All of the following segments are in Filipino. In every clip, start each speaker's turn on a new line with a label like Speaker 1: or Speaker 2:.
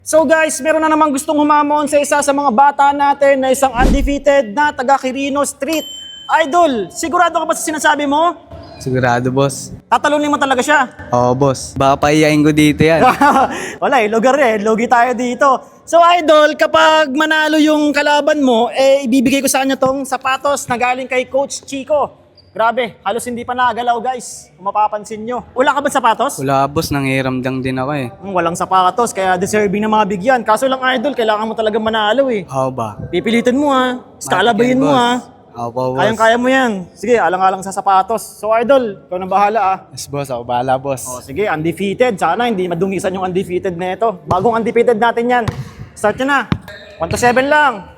Speaker 1: So guys, meron na namang gustong humamon sa isa sa mga bata natin na isang undefeated na taga Quirino Street. Idol, sigurado ka ba sa sinasabi mo?
Speaker 2: Sigurado, boss.
Speaker 1: Tatalunin mo talaga siya.
Speaker 2: Oo, boss. Baka paiyain ko dito yan.
Speaker 1: Wala lugar logi tayo dito. So Idol, kapag manalo yung kalaban mo, ibibigay ko sa kanya tong sapatos na galing kay Coach Chico. Grabe, halos hindi pa nagalaw guys, kung mapapansin nyo. Wala ka ba sapatos?
Speaker 2: Wala, boss. Nangiramdang din ako eh.
Speaker 1: Walang sapatos, kaya deserving na mga bigyan. Kaso lang Idol, kailangan mo talaga manalo eh.
Speaker 2: Oo ba?
Speaker 1: Pipilitin mo ha, skalabayin mo ha.
Speaker 2: Oo po, boss.
Speaker 1: Kayang-kaya mo yan. Sige, alang-alang sa sapatos. So Idol, ikaw na bahala ah.
Speaker 2: Yes, boss. Ako bahala, boss.
Speaker 1: O sige, undefeated. Sana hindi madungisan yung undefeated na ito. Bagong undefeated natin yan. Start nyo na. 1 to 7 lang.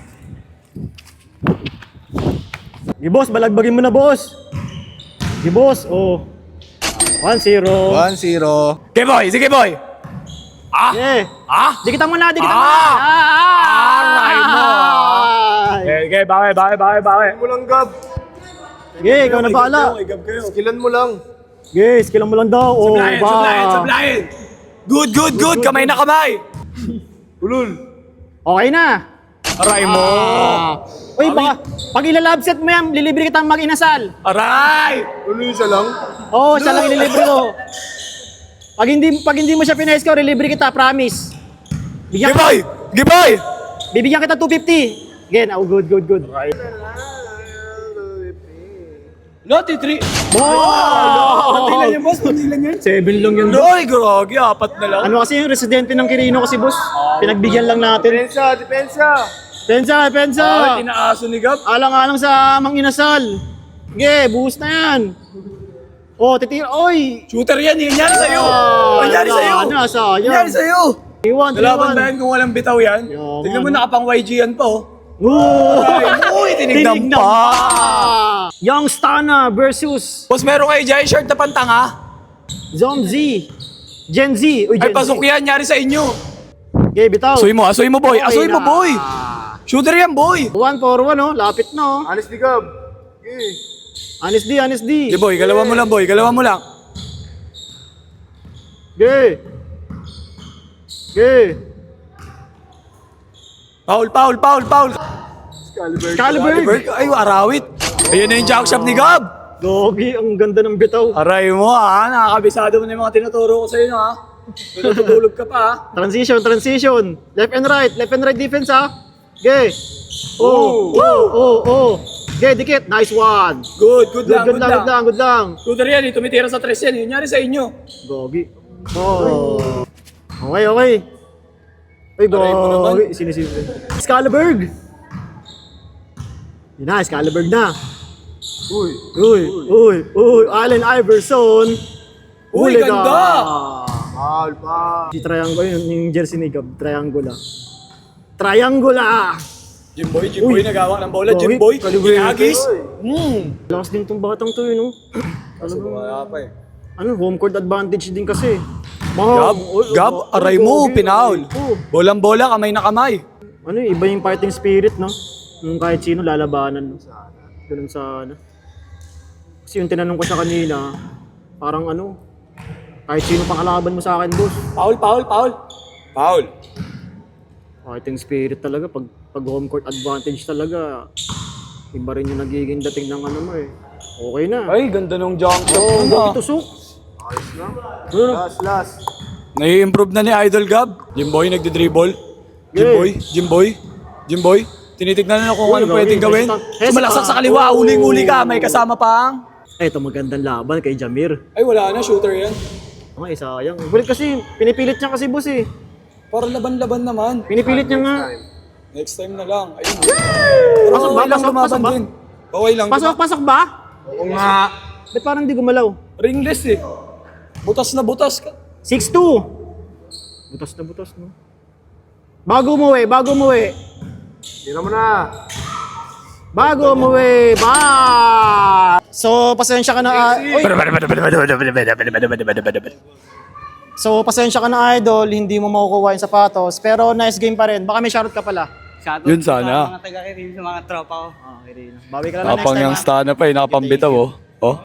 Speaker 1: Sige boss, balagbagin mo na boss. Sige boss, oh. 1-0.
Speaker 2: 1-0.
Speaker 3: Sige boy, sige boy.
Speaker 1: Sige. Dikitan mo na, dikitan mo na.
Speaker 3: Aray mo. Okay, bawi.
Speaker 4: Mo lang, Gab.
Speaker 1: Sige, ikaw na bahala.
Speaker 4: Skillan mo lang.
Speaker 1: Sige, skillan mo lang daw. Oh,
Speaker 3: Sablayan. Good. Kamay na kamay.
Speaker 4: Ulul.
Speaker 1: Okay na.
Speaker 3: Aray mo.
Speaker 1: Uy, baka pag ilalabset mo yan, lilibre kitang mag-inasal.
Speaker 3: Aray.
Speaker 4: Ulul isa lang.
Speaker 1: Oo, siya lang ililibre ko. Pag hindi mo siya pina-score, ililibre kita, promise.
Speaker 3: Sige boy. Sige boy.
Speaker 1: Bibigyan kita 250. Again, oh, good.
Speaker 3: Loti 3.
Speaker 1: Wow!
Speaker 3: yan boss, lang yan.
Speaker 1: 7 lang yun.
Speaker 3: Ay, groggy, 4 na lang.
Speaker 1: Ano kasi yung residente ng Quirino kasi boss? Pinagbigyan lang natin.
Speaker 4: Depensa.
Speaker 1: Pensa!
Speaker 3: Tinaaso ni Gab.
Speaker 1: Alang-alang sa mang inasal. Sige, buhos na yan. Oh, titira. Oy!
Speaker 3: Shooter yan, yan sa'yo. Yan sa'yo.
Speaker 1: Sayang.
Speaker 3: Yan sa'yo.
Speaker 1: Iwan,
Speaker 3: Lalaban ba yan kung walang bitaw yan?
Speaker 1: Yan.
Speaker 3: Tignan mo, nakapang YG yan pa oh.
Speaker 1: Oh!
Speaker 3: Uy, tinignan pa.
Speaker 1: Young Stana versus
Speaker 3: Boss, meron kayo dyan shirt na pantanga?
Speaker 1: Zomzi. Gen Z. Uy, Gen
Speaker 3: Ay, pasok yan, nyari sa inyo.
Speaker 1: Okay, bitaw.
Speaker 3: Asoy mo boy,
Speaker 1: Okay
Speaker 3: asoy mo
Speaker 1: na.
Speaker 3: boy. Shooter yan boy.
Speaker 1: 1 for 1, oh. Lapit na, oh.
Speaker 4: Honest di, Gab.
Speaker 1: Honest D.
Speaker 3: Sige boy, galawan mo lang boy, galawan mo lang.
Speaker 1: Okay.
Speaker 3: Foul.
Speaker 1: Caliber.
Speaker 3: Ay, arawit. Ayun na yung jack shop ni Gab.
Speaker 1: Gogi, ang ganda ng bitaw.
Speaker 3: Aray mo ha, nakakabisado mo na yung mga tinuturo ko sa'yo no ha. Natutulog ka pa ha.
Speaker 1: Transition. Left and right defense, ha. Okay. Oh. Okay, dikit. Nice one.
Speaker 3: Good lang.
Speaker 1: Good lang.
Speaker 3: Shooter yan, tumitira sa tres yan. Yun nyari sa inyo.
Speaker 1: Gogi. Oh. Okay. Ay,
Speaker 3: Aray mo naman.
Speaker 1: gogi. Sinisilip. Scalaberg. Yun na, Scalaberg na. Uy. Allen Iverson.
Speaker 3: Uy,
Speaker 1: Huli ka.
Speaker 3: ganda.
Speaker 4: Mahal pa.
Speaker 1: Si Triangle, yung jersey ni Gab. Triangle.
Speaker 3: Jimboy, nagawa ng bola.
Speaker 1: Gogi.
Speaker 3: Jimboy,
Speaker 1: Calibre.
Speaker 3: ginagis.
Speaker 1: Lakas din tong batang to, yun, no?
Speaker 3: Wala pa eh.
Speaker 1: Home court advantage din kasi.
Speaker 3: Gab, aray mo, pinaul. Bolang-bola, kamay na kamay.
Speaker 1: Iba yung fighting spirit, no? Yung kahit sino lalabanan, no? Ganun sana. Kasi yung tinanong ko siya kanina, parang kahit sino pang kalaban mo sa akin, boss.
Speaker 3: Paul.
Speaker 1: Fighting spirit talaga, pag home court advantage talaga, iba rin yung nagiging dating ng mo eh. Okay na.
Speaker 3: Ay, ganda nung jump shot.
Speaker 1: Gogi tusok.
Speaker 4: Last.
Speaker 3: Nai-improve na ni Idol Gab. Jimboy, nagdi-dribble. Jimboy. Tinitignan na kung ano pwedeng gawin. Sumalaksak sa kaliwa, uling-uli ka, may kasama pang.
Speaker 1: Ito magandang laban kay Jamir.
Speaker 3: Ay, wala na, shooter yan.
Speaker 1: Okay, sayang. Bulit kasi, pinipilit niya kasi boss eh.
Speaker 3: Para laban-laban naman.
Speaker 1: Pinipilit niya nga.
Speaker 3: Next time na lang. Ayun. Pero
Speaker 1: Pasok ba?
Speaker 3: okay lang
Speaker 1: Pasok
Speaker 3: lumaban
Speaker 1: ba?
Speaker 3: din. Okay lang.
Speaker 1: Pasok ba?
Speaker 3: Oo nga.
Speaker 1: Ba't parang di gumalaw?
Speaker 3: Ringless eh. Butas na butas ka.
Speaker 1: 6'2". Butas na, no? Bago umuwi.
Speaker 4: Tira mo na.
Speaker 1: So, pasensya ka na. Pasensya ka na, Idol. Hindi mo makukuha yung sapatos. Pero nice game pa rin. Baka may shoutout ka pala.
Speaker 3: Yun sana.
Speaker 2: Mga taga-Quirino, sa mga tropa ko.
Speaker 1: Bawi ka na lang next
Speaker 3: Tapang
Speaker 1: time,
Speaker 3: yung
Speaker 1: ha?
Speaker 3: stana pa eh, nakapambitaw oh.